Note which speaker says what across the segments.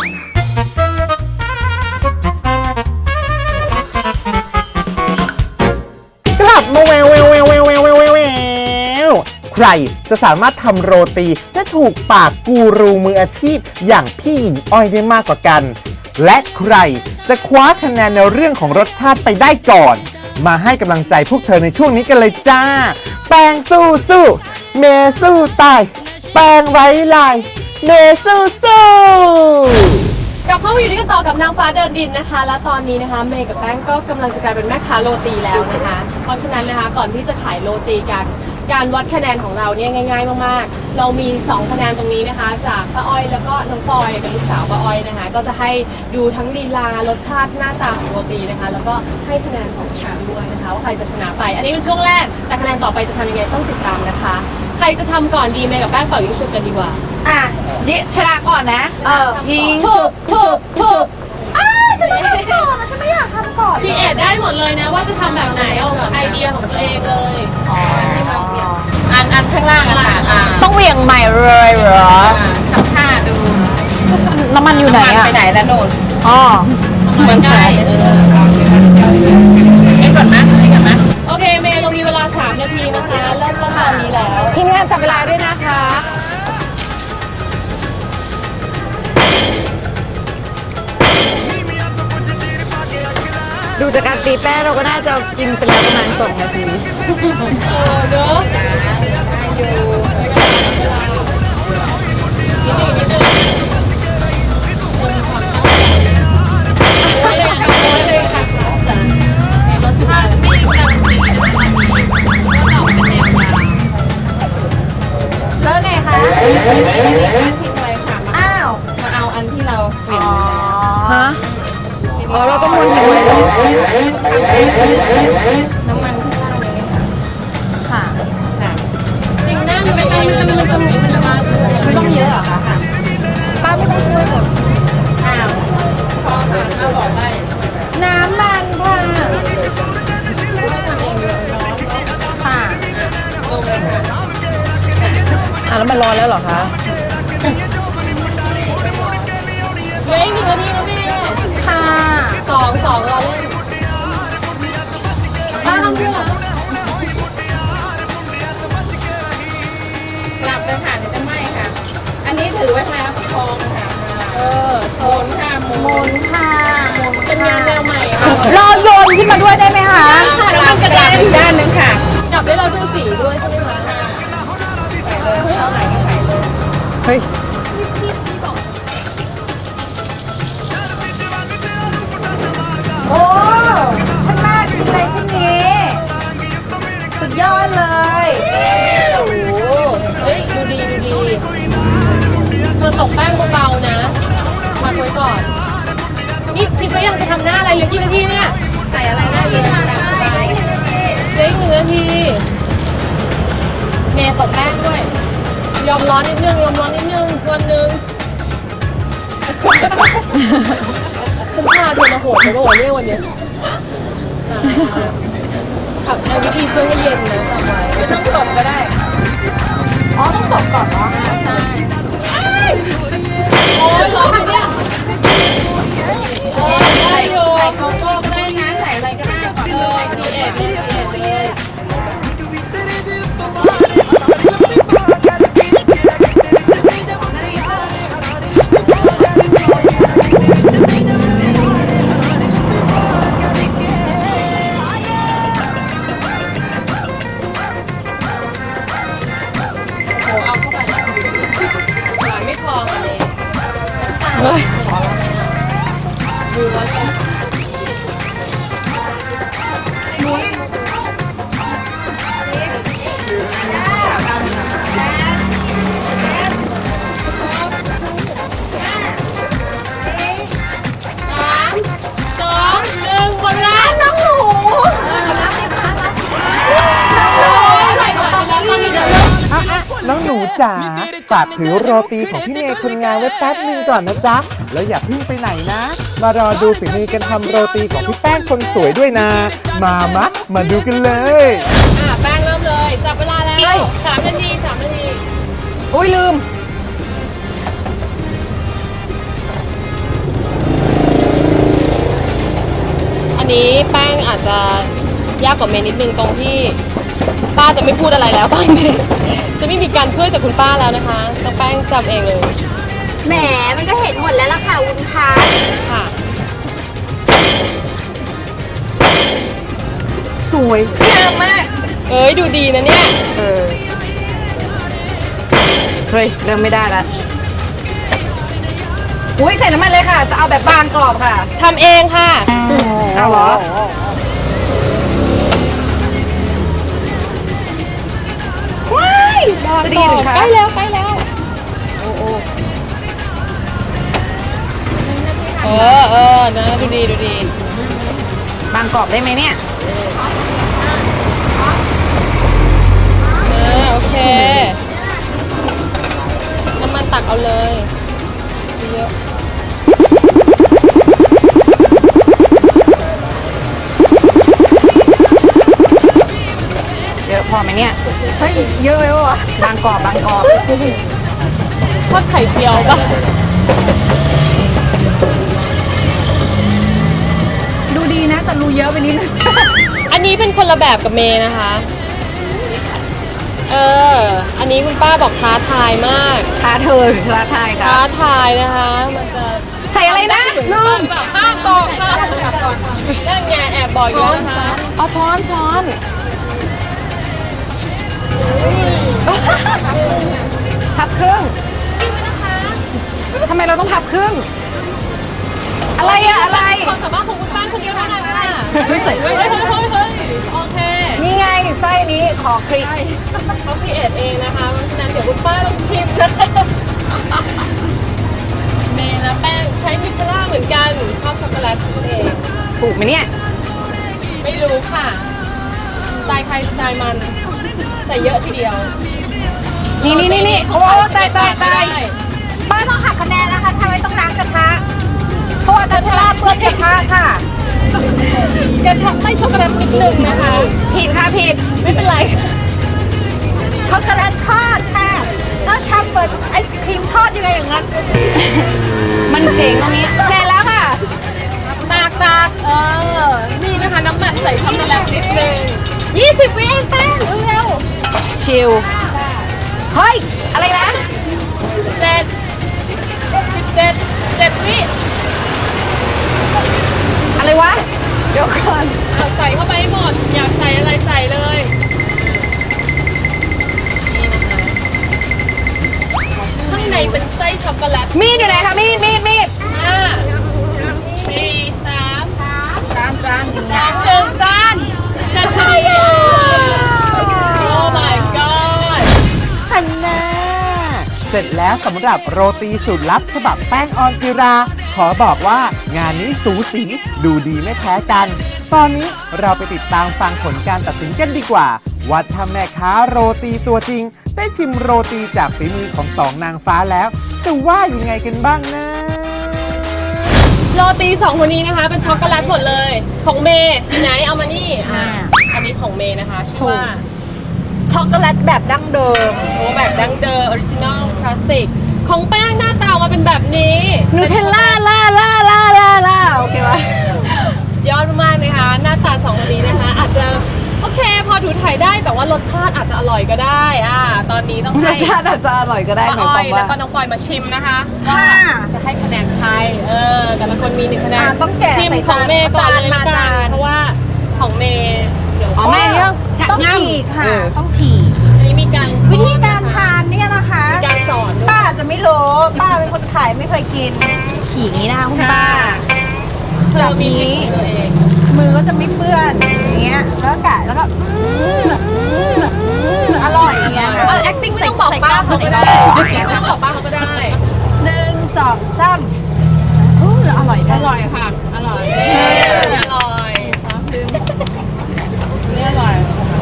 Speaker 1: กลับมาแววใครจะสามารถทำโรตีและถูกปากกูรูมืออาชีพอย่างพี่หญิงอ้อยได้มากกว่ากันและใครจะคว้าคะแนนในเรื่องของรสชาติไปได้ก่อนมาให้กำลังใจพวกเธอในช่วงนี้กันเลยจ้าแป้งสู้เมสู้ตายแป้งไร้ลายเมสู้
Speaker 2: กลับเข้ามาอยู่ด้วยกันต่อกับนางฟ้าเดินดินนะคะและตอนนี้นะคะเมย์กับแป้งก็กำลังจะกลายเป็นแม่ค้าโรตีแล้วนะคะเพราะฉะนั้นนะคะก่อนที่จะขายโรตีกันการวัดคะแนนของเราเนี่ยง่ายๆมากๆเรามี2คะแนนตรงนี้นะคะจากป้าอ้อยแล้วก็น้องปอยกับลูกสาวป้าอ้อยนะคะก็จะให้ดูทั้งลีลารสชาติหน้าตาของโรตีนะคะแล้วก็ให้คะแนน2ชั้นด้วยนะคะว่าใครจะชนะไปอันนี้เป็นช่วงแรกแต่คะแนนต่อไปจะทำยังไงต้องติดตามนะคะใครจะทำก่อนดีเมย์กับแป้งเป่ายิงฉุบกันดีกว่า
Speaker 3: นี่ชนะก่อนนะยิงฉุบฉันต้องทำก่อนนะฉันไม่อยากทำก่อน
Speaker 2: พี่เอ็ดได้หมดเลยนะว่าจะทำแบบไหนเอาไอเดียของตัวเองเลย
Speaker 3: อันข้างล่างอะค่ะ
Speaker 4: ต้องเหวี่ยงใหม่เลยเหรอ
Speaker 3: ทำท่าดู
Speaker 4: น้ำมันอยู่ไหนอะ
Speaker 3: ไปไหนแล้วโน่น
Speaker 4: อ๋อ
Speaker 2: เหมือนกัน
Speaker 3: เอ็ก่อนนะ
Speaker 2: โอเคเมย์เรามีเวลา3 นาทีนะคะเริ่มต้นตอนนี้แล้ว
Speaker 4: ทีมงานจับเวลาด้วยนะคะดูจากการตีแป้งเราก็น่าจะกินไปแล้วประมาณ2 นาที
Speaker 2: เด้อ
Speaker 4: แล้วไงคะ
Speaker 3: ทิ้งไว้ค่ะอ้าวมาเอาอันที่เราเปลี่ยน
Speaker 4: ฮะเราต้องวนทิ้งไว้
Speaker 3: น้ำมันข้างล่างเลยไหมคะ
Speaker 4: ค่ะ
Speaker 2: จริงนั่งไม่ต้องมันจะมา
Speaker 4: ไม่ต้องเยอะเหรอคะป้าไม่ต้องช่วยหรอก
Speaker 3: อ้าว
Speaker 2: พอค่ะเอาบอกได้
Speaker 4: น้ำมันค่ะ
Speaker 3: ค่ะ
Speaker 2: ลงเลยค่ะ
Speaker 4: แล้วมันร้อนแล้วเหรอคะ
Speaker 2: เหลืออีก1 นาทีนะแม่
Speaker 4: ค่ะ
Speaker 2: 2เราเล่นป้าทำเพื่อก
Speaker 3: ลับเลยค่ะเดี๋ยวจะไหม้ค่ะอันนี้ถือไว้แล้วประคองค่ะโมนค่ะโมนค่ะ
Speaker 2: เป็นงานแนวใหม่ค่ะ
Speaker 4: รอโยนขึ้นมาด้วยได้ไหมคะ
Speaker 2: แล้วมันกระเด็น
Speaker 3: อีกด้านนึงค่ะ
Speaker 2: จับได้เราด้วยสีด้วยใช่ไหมคะ
Speaker 3: เอาไหนก็ใส่เลย
Speaker 4: เฮ้ยโอ้ข้างหน้ากินอะไรชิ้นนี้สุดยอดเลย
Speaker 2: โอ้โหเฮ้ยดูดีเธอตกแป้งเบาๆนะพักไว้ก่อนนี่คิดว่ายังจะทำหน้าอะไรเหลือกี่นาทีเนี่ย
Speaker 3: ใส่อะไรได้เลย
Speaker 2: เหลืออีก1 นาทีเมย์ตกแป้งด้วยยอมร้อนนิดนึงวันนึงฉันพาเธอมาโหดเลยว่าเนี่ยวันนี้ขับในวิธีช่วยให้เย็นนะจำไว้
Speaker 3: ไม่ต้องตบก็ได้
Speaker 4: อ๋อต้องตบก่อนเนาะ
Speaker 3: ใช่
Speaker 2: โอ้ยร้อนเนี่ย
Speaker 3: ได้อยู่ใส่โกโก้ก็ได้นะใส่อะไรก็ได้ก่อน
Speaker 2: ใส่พีเอ็ดเลยดูว่าจะ
Speaker 1: น้องหนูจ๋าฝากถือโรตีของพี่เมย์คนงานไว้แป๊บนึงก่อนนะจ๊ะแล้วอย่าเพิ่งไปไหนนะมารอดูฝีมือกันทำโรตีของพี่แป้งคนสวยด้วยนะมาดูกันเลย
Speaker 2: แป้งเริ่มเลยจับเวลาแล้ว3 นาที
Speaker 4: อุ้ยลืม
Speaker 2: นี้แป้งอาจจะยากกว่าเมย์นิดนึงตรงที่ป้าจะไม่พูดอะไรแล้วตอนนี้ จะไม่มีการช่วยจากคุณป้าแล้วนะคะต้องแป้งจำเองเลย
Speaker 4: แหมมันก็เห็นหมดแล้วล่ะค่ะวุ้นคะ
Speaker 2: ค่ะ
Speaker 3: สวยงามมาก
Speaker 2: เอ้ยดูดีนะเนี่ย
Speaker 3: เฮ้ยเริ่มไม่ได้ละอุ้ยใส่น้ำมันเลยค่ะ จะเอาแบบบางกรอบค่ะ
Speaker 2: ทำเองค่ะ
Speaker 3: เอาเหรอ ว้ายจะดีหรือคะ
Speaker 2: ใกล้แล้วใกล้แล้วเออนะดูดีดูดี
Speaker 3: บางกรอบได้ไหมเนี่ย
Speaker 2: โอเคน้ำมันตักเอาเลยเยอะ
Speaker 3: เยอะพอไหมเนี่ย
Speaker 4: เฮ้ยเยอะเลยวะ
Speaker 3: บางกรอบบางกรอบ
Speaker 2: ทอดไข่เจียวปะ
Speaker 4: ดูดีนะแต่รูเยอะไปนิดนึง
Speaker 2: อันนี้เป็นคนละแบบกับเมย์นะคะ อันนี้คุณป้าบอกท้าทายมาก
Speaker 3: ท้าเธอหรือท้าทายคะ
Speaker 2: ท้าทายนะคะ มันจะ
Speaker 3: ใส่อะไรนะ
Speaker 2: ลืมแบบป้าบอกค่ะกลับก่อนนั่นไงแอบบอกอยู่แล้วนะคะ
Speaker 3: เอาช้อนช้อนพับครึ่งทำไมเราต้องพับครึ่ง อะไรอะอะไร
Speaker 2: ความสามารถของคุณป้าคนเดียวเท่านั้นค่ะ
Speaker 3: ไม่ใส่
Speaker 2: เฮ้ยโอเค
Speaker 3: นี่ไงไส้นี้ขอคลิก
Speaker 2: เขาพิเอทเองนะคะเพราะฉะนั้นเดี๋ยวคุณป้าต้องชิมนะเมย์และแป้งใช้มิชล่าเหมือนกันชอบช็อกโกแลตของตัวเอง
Speaker 3: ถูกไหมเนี่ย
Speaker 2: ไม่รู้ค่ะสไตล์ใครสไตล์มันใส่เยอะทีเดียว
Speaker 3: นี่โอ้ตาย
Speaker 4: ป้าต้องหักคะแนนนะคะทำไมต้องล้างกระทะเพราะว่านัทลาเปื้อนกระทะค่ะ
Speaker 2: กระทำไม่ช็อกโกแลตนิดนึงนะคะ
Speaker 3: ผิดค่ะผิด
Speaker 2: ไม่เป็นไร
Speaker 4: ช็อกโกแลตทอดค่ะถ้าทำเปิดไอศครีมทอดยังไงอย่างนั้น
Speaker 3: มันเจ๋งตรงนี้เสร็จแล้วค่ะ
Speaker 2: ตากนี่นะคะน้ำมันใส่ช็อกโกแลตนิดนึง20 วิเองแป้งเร็ว
Speaker 3: ชิล เฮ้ย อะไรนะ
Speaker 2: ๆ7 วิ
Speaker 3: อะไรวะ เดี๋ยวก่อน
Speaker 2: เอาใส่เข้าไปให้หมด อยากใส่อะไรใส่เลยนี่นะคะข้างในเป็นไส้ช็อกโกแลต
Speaker 3: มีดอยู่ไหนคะมีด
Speaker 2: 5 4 3 2 1จานจัดพอดีโอ้ my god
Speaker 1: ฮันน่าเสร็จแล้วสำหรับโรตีสูตรลับฉบับแป้งออนจิรา ขอบอกว่างานนี้สูสีดูดีไม่แพ้กัน ตอนนี้เราไปติดตามฟังผลการตัดสินกันดีกว่าว่าถ้าแม่ค้าโรตีตัวจริง ได้ชิมโรตีจากฝีมือของสองนางฟ้าแล้วจะว่ายังไงกันบ้างนะ
Speaker 2: โรตี2คนนี้นะคะเป็นช็อกโกแลตหมดเลยของเมย์ไหนเอามานี่อันนี้ของเมย์นะคะชื่อว่า
Speaker 4: ช็อกโกแลตแบบดั้งเดิม
Speaker 2: โอ้แบบดั้งเดิมออริจินอลคลาสสิกของแป้งหน้าตาออกมาเป็นแบบนี้
Speaker 3: นูเทลล่าล่าโอเควะ
Speaker 2: สุดยอดมากๆนะคะหน้าตา2คนนี้นะคะอาจจะโอเคพอถูถ่ายได้แต่ว่ารสชาติอาจจะอร่อยก็ได้ตอนนี้ต้อง
Speaker 3: ร
Speaker 2: ให้
Speaker 3: สชาติอาจจะอร่อยก็ได้หมาย
Speaker 2: ป้า
Speaker 3: ค
Speaker 2: อ้อ
Speaker 3: วาย ม
Speaker 2: แล้ว
Speaker 3: ว่า
Speaker 2: ก็น้องปอยมาชิมนะคะว่าจะให้คะแนนใครแต่ละคนมี1คะแนน
Speaker 4: ต้องแกะ
Speaker 2: ชิม
Speaker 4: ใส่
Speaker 2: ของเมย์ก่อนเลย
Speaker 4: มา
Speaker 2: ละกั
Speaker 4: จาน
Speaker 2: นเพราะว่าของเมย์เดี๋ยว
Speaker 3: อ๋อแม่เรื่อง
Speaker 4: ต้องฉีกค่ะ ต้องฉีก
Speaker 2: อันนี้มีการ
Speaker 4: วิธีการทานเนี่ยนะคะ
Speaker 2: มีการสอนด้วย
Speaker 4: ป้าจะไม่รู้ป้าเป็นคนขายไม่เคยกิน ฉีกอย่างนี้นะคะคุณป้า
Speaker 2: เธอมีทริคของตัวเอง
Speaker 4: มือก็จะไม่เปื้อนอย่างเงี้ยแล้วก็กะแล้วก็อร่อยอย่างเงี้ยค่ะ
Speaker 2: acting ไม่ต้องบอกป้าเขาก็ได้ไม่ต้องบอกป้าเขาก็ได้
Speaker 4: 1 2 3อร่อย
Speaker 2: อร่อยค่ะ อร่อยอร่อย
Speaker 4: นี่อร่อย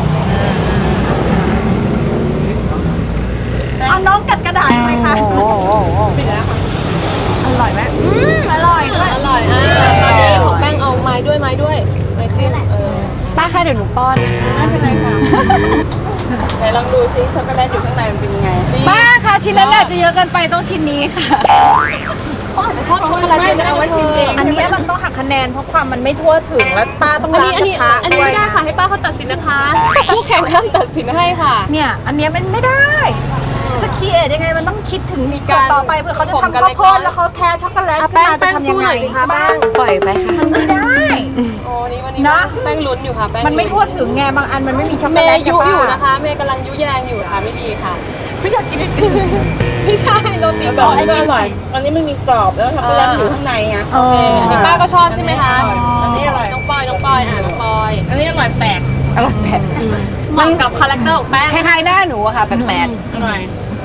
Speaker 4: เอาน้องกัดกระดาษทำไมคะปิดแล้วค่ะอร่อยไหมอร่อยด้วย
Speaker 2: อร่อยตอนนี้ของแป้งเอาไม้ด้วยไม้จิ้ม
Speaker 3: ป้าคะเดี๋ยวหนูป้อนนะคะ
Speaker 4: ไม่เป็นไรค่ะ
Speaker 2: ไหนลองดูซิช็อกโกแลตอยู่ข้างในมันเป็นยังไง
Speaker 3: ป้าคะชิ้นนั้นอาจจะเยอะเกินไปต้องชิ้นนี้ค่ะ
Speaker 2: เขาอาจจะชอบช็อกโกแลตเยอะก็ได้
Speaker 4: อันนี้มันต้องหักคะแนนเพราะความมันไม่ทั่วถึงแล้วป้าต้อง
Speaker 2: อัน
Speaker 4: ล้าง
Speaker 2: นี้
Speaker 4: กระทะ
Speaker 2: ไม่
Speaker 4: ด้วย
Speaker 2: ได้
Speaker 4: นะ
Speaker 2: ค่ะให้ป้าเขาตัดสินนะคะผู้แข่งห้ามตัดสินให้ค่ะ
Speaker 4: เนี่ยอันเนี้ยมันไม่ได้จะคีเอทยังไงมันต้องคิดถึง
Speaker 2: มีการ
Speaker 4: ต่อไปเผื่อเขาจะ
Speaker 2: ผมกัน
Speaker 4: ทำข้าวโพด
Speaker 2: เล็กน้อย
Speaker 4: แล้วเขาแทช็อกโกแลต
Speaker 2: อ่ะ
Speaker 4: ขึ้นมา
Speaker 2: แป้
Speaker 4: จะ
Speaker 2: ง
Speaker 4: ทำยังไง
Speaker 2: สู้หน่อยสิคะ
Speaker 4: ใช่ปะ
Speaker 3: ปล่อยไปค่ะ
Speaker 4: มันไม่ได้
Speaker 2: โอ้นี่วันนี้
Speaker 4: เนอะ
Speaker 2: แป้งลุ้นอยู่ค่ะแป้ง
Speaker 4: มันไม่ทั่วถึงไงบางอันมันไม่มีช็อกโก
Speaker 2: เม
Speaker 4: แลต
Speaker 2: ย์
Speaker 4: ไง
Speaker 2: ยุ
Speaker 4: ป้า
Speaker 2: อยู่นะคะเมย์กำลังยุแยงอยู่ค่ะไม่ดีค่ะ
Speaker 4: ไม่อยากกินไอติม
Speaker 2: ไม่ใช่โรตีก่อน
Speaker 3: อันนี้อร่อยอันนี้ไม่มีกรอบแล้วช็อกโกแลตอยู่ข้างในไง
Speaker 2: โอเคอันนี้ป้าก็ชอบใช่ไหมคะ
Speaker 3: อันนี้อร่อย
Speaker 2: น้องปอยน้องปอยน้องปอย
Speaker 3: อันนี้อร่อยแปลก
Speaker 4: อร่อยแบบ
Speaker 2: เหมาะกับคาแรคเตอร์ของแป้ง
Speaker 4: คล้ายๆหน้าหนูอะค่ะแปลก
Speaker 3: อร่อย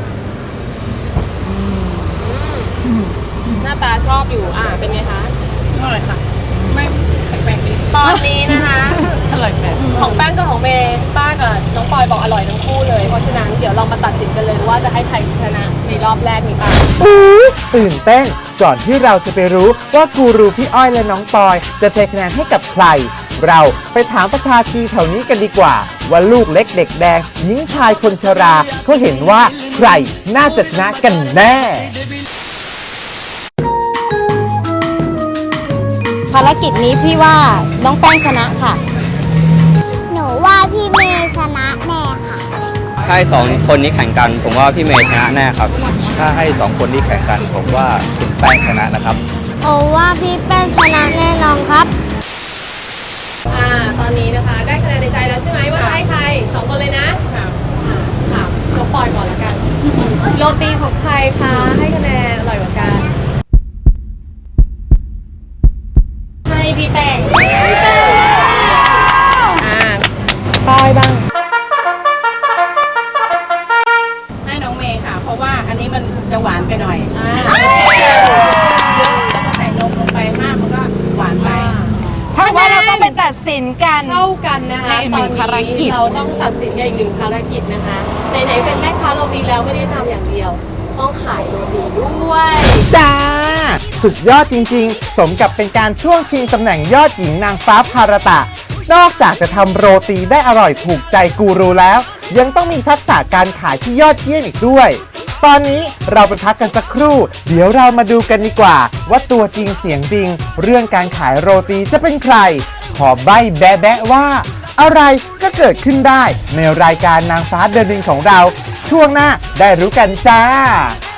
Speaker 2: หน้าตาชอบอยู่เป็นไงคะ
Speaker 3: อร่อยค่ะ ไม่แปลกๆดี
Speaker 2: ตอนนี้นะคะ
Speaker 3: อร่อยแปลก
Speaker 2: ของแป้งกับของเมย์ป้ากับน้องปอยบอกอร่อยทั้งคู่เลย เพราะฉะนั้นเดี๋ยวเรามาตัดสินกันเลยว่าจะให้ใครชนะในรอบแรกนี้ป้า
Speaker 1: ตื่นเต้นก่อนที่เราจะไปรู้ว่ากูรูพี่อ้อยและน้องปอยจะเทคะแนนให้กับใคร เราไปถามประชาชีแถวนี้กันดีกว่า ว่าลูกเล็กเด็กแดงหญิงชายคนชราเขาเห็นว่าใครน่าจะชนะกันแน่
Speaker 5: ภารกิจนี้พี่ว่าน้องแป้งชนะค่ะ
Speaker 6: หนูว่าพี่เมย์ชนะแน่ค่ะ
Speaker 7: ถ้าให้สองคนนี้แข่งกัน ผมว่าพี่เมย์ชนะแน่ครับ
Speaker 8: ถ้าให้สองคนนี้แข่งกัน ผมว่าคุณแป้งชนะนะครับ
Speaker 6: โอว่าพี่แป้งชนะแน่นอนครับ
Speaker 2: ตอนนี้นะคะได้คะแนนในใจแล้วใช่ไหมว่าจะให้ใครสองคนเลยนะถามน้องปอยก่อนละกันโรตีของใครคะให้คะแนนอร่อยกว่ากันให้พี่แป้งปอยบ้าง
Speaker 3: ให้น้องเมย์ค่ะ เพราะว่าอันนี้มันจะหวานไปหน่อยเยอะแล้วก็ใส่นมลงไปมากมันก็หวานไป
Speaker 4: ๆถ้าว่าเราต้องไปตัดสินกัน
Speaker 2: เท่ากันนะคะ
Speaker 4: ในอีกหนึ่งภารกิจ
Speaker 2: เราต้องตัดสินกันอีกหนึ่งภารกิจนะคะไหนๆเป็นแม่ค้าโรตีแล้วไม่ได้ทำอย่างเดียว ต้องขายโรตีด้วย
Speaker 1: จ้า สุดยอดจริงๆ สมกับเป็นการช่วงชิงตำแหน่งยอดหญิงนางฟ้าภารตะ นอกจากจะทำโรตีได้อร่อยถูกใจกูรูแล้ว ยังต้องมีทักษะการขายที่ยอดเยี่ยมอีกด้วย ตอนนี้เราไปพักกันสักครู่ เดี๋ยวเรามาดูกันดีกว่า ว่าตัวจริงเสียงจริง เรื่องการขายโรตีจะเป็นใคร ขอใบ้แบะๆว่า อะไรก็เกิดขึ้นได้ในรายการนางฟ้าเดินดินของเรา ช่วงหน้าได้รู้กันจ้า